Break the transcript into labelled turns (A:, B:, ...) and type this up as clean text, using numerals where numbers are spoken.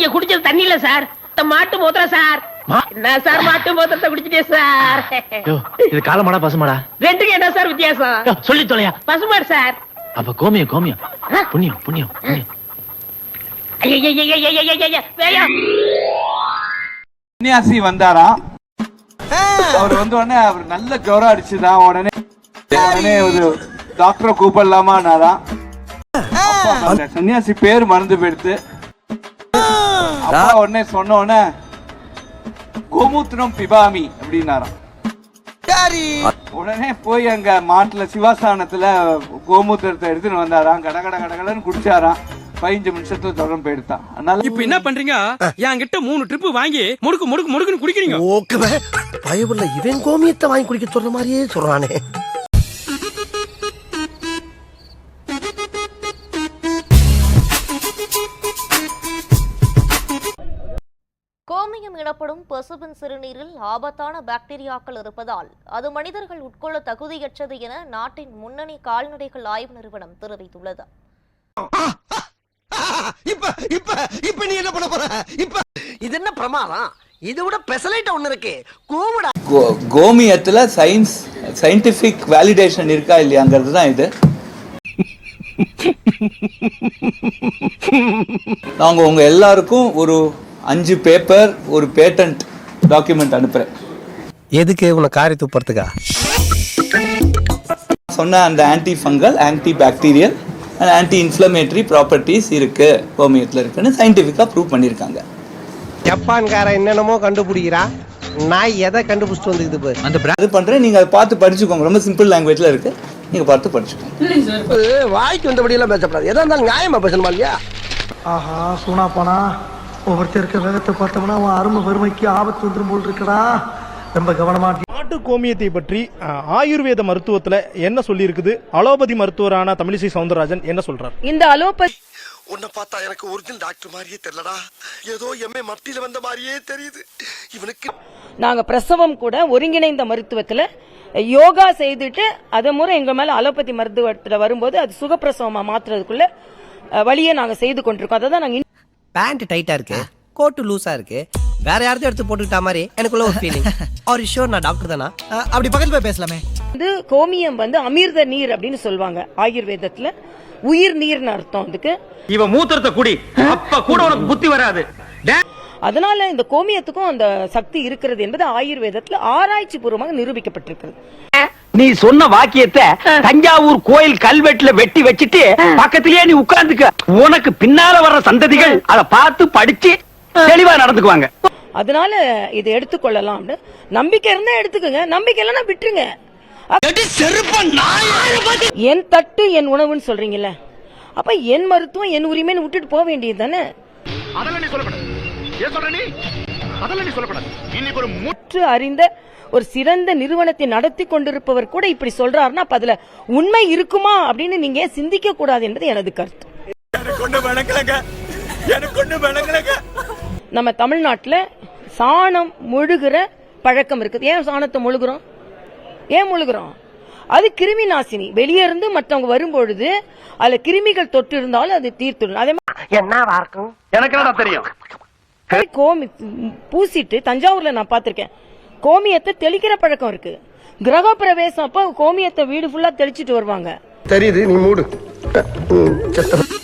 A: குடிச்சது தண்ணி இல்ல சார், மாட்டு மூத்திரம் சார். என்ன சார் மாட்டு மூத்திரத்தை குடிச்சிட்டே சார்.
B: இது காலமாடா பசுமாடா?
A: ரெண்டுக்கு என்ன சார் வித்தியாசம்?
B: சொல்லி தொலையா.
A: பசுமாடு சார்.
B: அப்ப கோமியம் கோமியம். புண்ணியம் புண்ணியம் புண்ணியம்.
C: சன்னியாசி வந்தாராம். அவர் வந்த உடனே அவர் நல்ல ஜுரம் அடிச்சுதான். உடனே ஒரு டாக்டரை கூப்பிடலாமான்னாராம். சன்னியாசி பேர் மறந்து போயிடுத்து. அப்பா உடனே சொன்ன உடனே கோமூத்திரம் பிபாமி அப்படின்னாராம். உடனே போய் அங்க மாட்டுல சிவாஸ்தானத்துல கோமூத்திரத்தை எடுத்துன்னு வந்தாராம். கடகட கடகடன்னு குடிச்சாராம். 15 நிமிஷத்துல தொடர்ந்து போயிடுதான். அதனால
D: இப்ப என்ன பண்றீங்க? என்கிட்ட 3 ட்ரிப் வாங்கி முடுக்கு முடுக்கு முடுக்குன்னு குடிக்கிறீங்க.
E: ஓகே பயவுள்ள இவன் கோமியத்தை வாங்கி குடிக்க சொல்ற மாதிரியே சொல்றானே.
F: கோமியம் எனப்படும் பசுவின் சிறுநீரில் ஆபத்தான பாக்டீரியாக்கள் இருப்பதால் அது மனிதர்கள் உட்கொள்ள தகுதியற்றது என நாட்டின் முன்னணி கால்நடைகள் ஆய்வு நிறுவனம் தெரிவித்துள்ளது.
E: இப்ப நீ என்ன பண்ண போற? இப்ப இது என்ன பிரமாதம்? இது விட பெசலைட் ஒண்ணு இருக்கு. கூவுடா.
C: கோமியத்துல சயின்டிபிக் வேலிடேஷன் இருக்கா இல்லையாங்கிறது தான் இது. நாங்க உங்க எல்லாருக்கும் ஒரு 5 பேப்பர் ஒரு பேட்டன்ட் டாக்குமெண்ட் அனுப்புறேன்.
E: எதுக்கு? உன காரி துப்புறதுக்கா?
C: சொன்ன அந்த anti fungal, anti bacterial and anti inflammatory properties இருக்கு கோமியத்தில் இருக்குன்னு சயின்டிஃபிக்காக ப்ரூவ் பண்ணியிருக்காங்க.
E: ஜப்பான்காரன் என்னென்னமோ கண்டுபிடிக்கிறா, நான் எதை கண்டுபிடிச்சிட்டு வந்துக்குது பாரு.
C: அந்த இது பண்ணுறேன், நீங்கள் அதை பார்த்து படிச்சுக்கோங்க. ரொம்ப சிம்பிள் லாங்குவேஜில் இருக்கு, நீங்கள் பார்த்து படிச்சுக்கோங்க.
E: வாய்க்கு வந்தபடியெல்லாம் பேசப்படாது. எதா இருந்தாலும் நியாயமா பேசணுமா இல்லையா?
G: ஆஹா சூனா போனா ஒவ்வொருத்தர் இருக்க வேகத்தை பார்த்தோம்னா அவன் அருமை வறுமைக்கு ஆபத்து வந்துடும் போல் இருக்கடா. ரொம்ப கவனமா.
H: நாட்டு கோமியத்தை பற்றி ஆயுர்வேத மருத்துவத்துல என்ன சொல்லி இருக்குது? அலோபதி மருத்துவரான தமிழிசை சவுந்தரராஜன் என்ன சொல்றார்?
I: இந்த அலோபதி
E: உன்னை பார்த்தா எனக்கு ஒரிஜினல் டாக்டர் மாதிரியே தெரியலடா. ஏதோ எம்ஏ மத்தியில வந்த மாதிரியே தெரியுது இவனுக்கு.
I: நாங்க பிரசவம் கூட ஒருங்கிணைந்த மருத்துவத்துல யோகா செய்துட்டு அதை முறை எங்க மேல அலோபதி மருத்துவத்துல வரும்போது அது சுகப்பிரசவமா மாத்துறதுக்குள்ள வழியை நாங்க செய்து கொண்டிருக்கோம். அதான் நாங்க.
J: பேண்ட் டைட்டா இருக்கு, கோட்டு லூசா இருக்கு, வேற யாராவது எடுத்து போட்டுக்கிட்ட மாதிரி எனக்குள்ள ஒரு ஃபீலிங். ஆர் யூ ஷூர் நான் டாக்டர் தானா? அப்படி பக்கத்துல போய் பேசலாமே.
I: வந்து கோமியம் வந்து அமிர்த நீர் அப்படின்னு சொல்லுவாங்க ஆயுர்வேதத்துல. உயிர் நீர்னு அர்த்தம் அதுக்கு.
D: இவ மூத்திரத்தை குடி, அப்ப கூட உனக்கு புத்தி வராது.
I: அதனால இந்த கோமியத்துக்கும் அந்த சக்தி இருக்கிறது என்பது ஆயுர்வேதத்துல ஆராய்ச்சி பூர்வமாக நிரூபிக்கப்பட்டிருக்கிறது.
D: நீ சொன்ன வாக்கியத்தை தஞ்சாவூர் கோயில் கல்வெட்டுல வெட்டி வச்சிட்டு பக்கத்திலேயே நீ உட்கார்ந்துக்க. உனக்கு பின்னால வர்ற சந்ததிகள் அதை பார்த்து படிச்சு தெளிவா நடந்துக்குவாங்க.
I: அதனால இதை எடுத்துக்கொள்ளலாம். நம்பிக்கை இருந்தா எடுத்துக்கோங்க, நம்பிக்கை இல்லைன்னா விட்டுருங்க. என் தட்டு என் உணவுன்னு சொல்றீங்கல்ல, அப்ப என் மருத்துவம் என் உரிமைன்னு விட்டுட்டு போக வேண்டியது தானே. முற்று அறிந்த ஒரு சிறந்த நிறுவனத்தை நடத்தி கொண்டிருப்பவர் கூட இப்படி சொல்றாருன்னா அப்ப அதுல உண்மை இருக்குமா அப்படின்னு நீங்க சிந்திக்க கூடாது என்பது எனது கருத்து. நம்ம தமிழ்நாட்டுல சாணம் முழுகிற பழக்கம் இருக்குது. ஏன் சாணத்தை முழுகிறோம்? ஏன் முழுகிறோம்? அது கிருமி நாசினி. வெளியே இருந்து மற்றவங்க வரும்பொழுது அதுல கிருமிகள் தொட்டு இருந்தாலும் அது தீர்த்துடும். அதே மாதிரி
D: எனக்கு தெரியும்.
I: கோமி பூசிட்டு தஞ்சாவூர்ல நான் பாத்திருக்கேன், கோமியத்தை தெளிக்கிற பழக்கம் இருக்கு. கிரக பிரவேசம் அப்ப கோமியத்தை வீடு ஃபுல்லா தெளிச்சிட்டு வருவாங்க.
E: தெரியுது, நீ மூடு.